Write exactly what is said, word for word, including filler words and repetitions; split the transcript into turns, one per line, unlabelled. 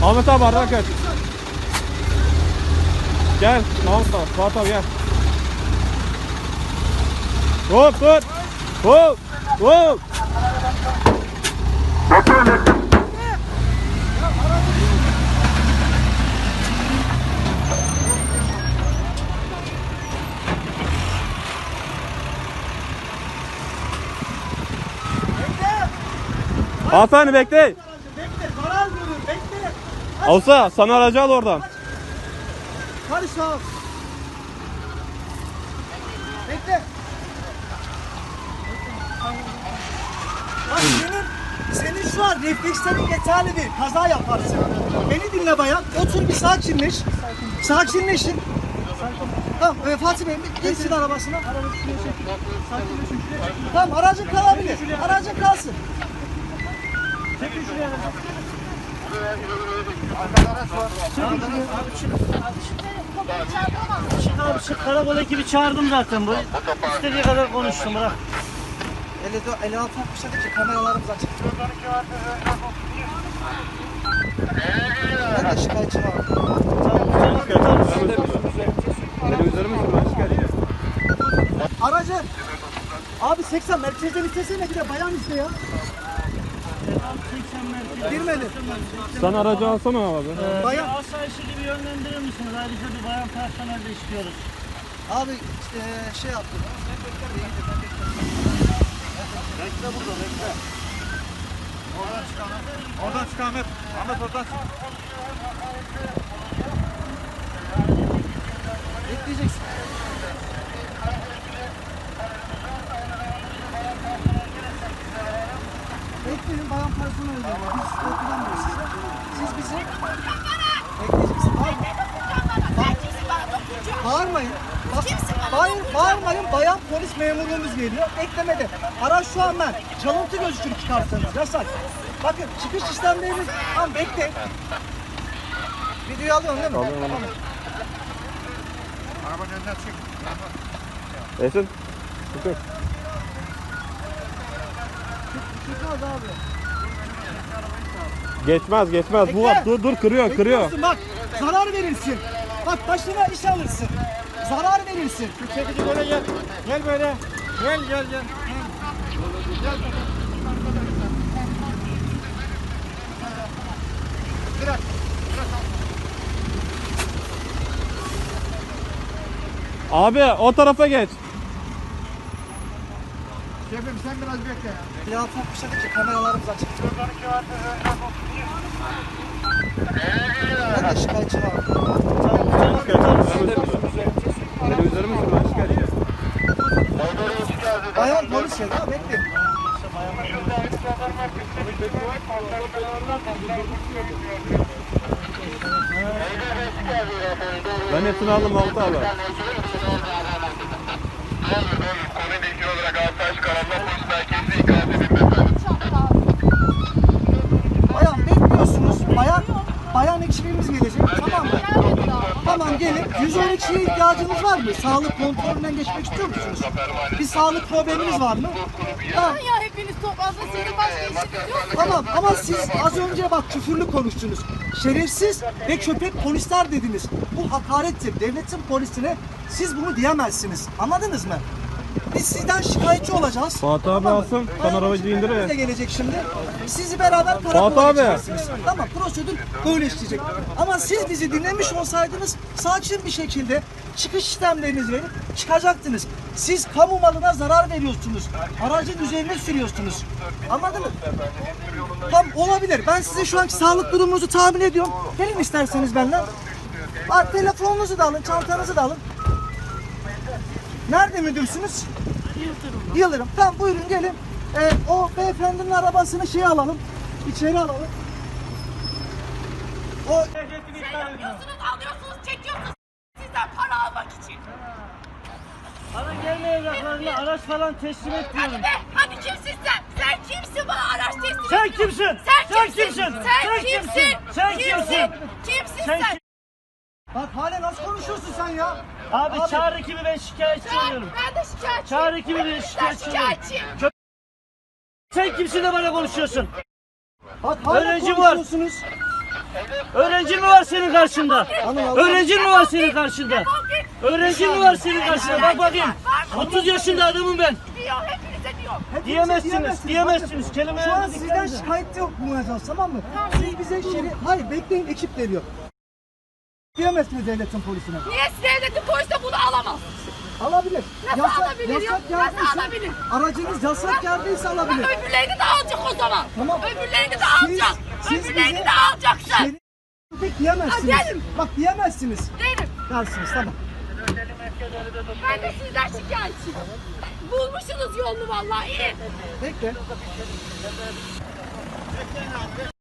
Ahmet abi arada kaç. Gel. Tamam tamam. Fuat abi gel. Hop hop. Hop. Hop. Hanımefendi bekle.
Bekle, zarar görür, bekle.
Olsa sana aracı al oradan.
Karış abi. Bekle. Bak senin, senin şu an reflekslerin yeterli değil. Kaza yaparsın. Beni dinle bayan. Otur bir sakinleş. Sakinleşin. Tamam, e, Fatih Bey girsin arabasına. Tamam, aracın kalabilir. Aracın kalsın. Çekin şuraya.
Çık abi çık, karakol ekibi çağırdım zaten bu. İstediği kadar konuştum, bırak.
elli altı altmış ki kameralarımız açık. Ben de şikayetçi var.
Benim üzerime şuradan şikayet et.
Aracı. Abi seksen merkezden istesene, bir de bayan iste ya. Girmedi.
Sen aracı alsana abi.
Ee,
Bayan.
bir asayişi gibi yönlendirir misiniz? Ayrıca bir bayan personel de istiyoruz.
Abi işte şey yaptım.
Bekle burada bekle. Oradan çık Ahmet. Oradan çık Ahmet. Ahmet oradan çık.
Bekleyeceksin. Bekleyin, bayan personel ödüyor. Biz korkulanmıyoruz size. Siz bize bekleyeceksin. Bağırmayın. Bağırmayın. Bak, bağır, bağırmayın. Bayan polis memurluğumuz geliyor. Beklemede. Araç şu an ben. Çalıntı gözükür çıkarsanız. Yasak. Bakın çıkış işlemlerimiz. Tamam bekle. Videoyu alıyorsun değil mi?
Alıyorum.
Tamam.
Arabanın önünden çık.
Esin. Çıkın.
Çıkmaz abi.
Geçmez geçmez. Bu
Bekle.
dur dur kırıyor kırıyor.
Bekliyorsun, bak zarar verirsin. Bak başına iş alırsın. Zarar verirsin.
Şu çekici böyle gel. Gel böyle. Gel gel gel. Bırak.
Abi o tarafa geç.
Şefim sen biraz bekle ya.
Ya tatmışlar ki kameralarımız açık. Ben de şikayetçi var.
Benim üzerime şuradan şikayet et.
Bayan polis ya, bekle.
Ben hepsini aldım Mahmut abi.
Bayan bekliyorsunuz. Bayan bayan ekibimiz gelecek. Tamam mı? Tamam gelin. yüz on ikiye ihtiyacınız var mı? Sağlık kontrolünden geçmek istiyor musunuz? Bir sağlık probleminiz var mı? Tamam.
Ya hepiniz toplansa sizin başka işiniz yok mu?
Tamam ama siz az önce bak küfürlü konuştunuz. Şerefsiz ve köpek polisler dediniz. Bu hakarettir. Devletin polisine siz bunu diyemezsiniz. Anladınız mı? Biz sizden şikayetçi olacağız.
Fatih abi
Tamam mı?
alsın, sen
Bayan
arabacı
ekibimiz
indir.
de gelecek şimdi. Sizi beraber
Fatih
karakola
abi.
geçeceksiniz. Tamam, prosedür böyle işleyecek. Ama siz bizi dinlemiş olsaydınız sakin bir şekilde çıkış işlemlerinizi verip çıkacaktınız. Siz kamu malına zarar veriyorsunuz. Aracın üzerine sürüyorsunuz. Anladın mı? Tam olabilir. Ben size şu anki sağlık durumunuzu tahmin ediyorum. Gelin isterseniz benden. Bak telefonunuzu da alın, çantanızı da alın. Nerede müdürsünüz? Yıldırım. Yıldırım. Tamam buyurun gelin. Ee, o beyefendinin arabasını şey alalım. İçeri alalım. O
Alıyorsunuz, alıyorsunuz, çekiyorsunuz sizden para almak için.
Bana gelme evraklarını, araç falan teslim et diyorum.
Hadi be, hadi kimsin sen? Sen kimsin bana araç teslim
Sen
ediyorsun?
kimsin?
Sen,
Sen
kimsin?
kimsin?
Sen,
Sen
kimsin?
kimsin? Sen kimsin?
Kimsin
Sen
sen?
kim-
bak hala nasıl konuşuyorsun sen ya?
Abi, çağır ekibi, ben şikayetçi
Sen,
oluyorum.
ben de şikayetçiyim.
Çağır ekibi, ben
Ben
şikayetçi oluyorum.
şikayetçiyim.
Sen kimsin de bana konuşuyorsun?
Bak hala
Öğrenci var.
konuşuyorsunuz.
Öğrencin mi var senin karşında?
Hanım, Allah-
Öğrencin mi var senin karşında?
Defol git.
Öğrencin mi var senin karşında? Bak bakayım. otuz yaşında adamım ben.
Diyor, hepinize diyor.
Hepinize
Diyemezsiniz, diyemezsiniz.
Bakın,
Kelimeler
şu an
dikkat
sizden
edin.
şikayet yok bu mevzuat, tamam mı? Siz bize şeri... Hayır bekleyin, ekip geliyor. Diyemezsiniz devletin polisine.
Niye devletin polisi de bunu alamaz?
Alabilir.
Nasıl alabilir ya?
yasak
Nasıl
yerdeyse-
alabilir?
Aracınız yasak yerdeyse alabilir.
Öbürlerini de alacak o zaman.
Tamam.
Öbürlerini de
Siz-
alacak.
siz
Öbürlerini
bize-
de alacaksın.
Şeri... Pek diyemezsiniz.
Ha, derim.
Bak diyemezsiniz.
Derim.
Dersiniz, tamam.
Ben de sizden şikayetçiyim. Bulmuşsunuz yolunu vallahi iyi.
Bekle.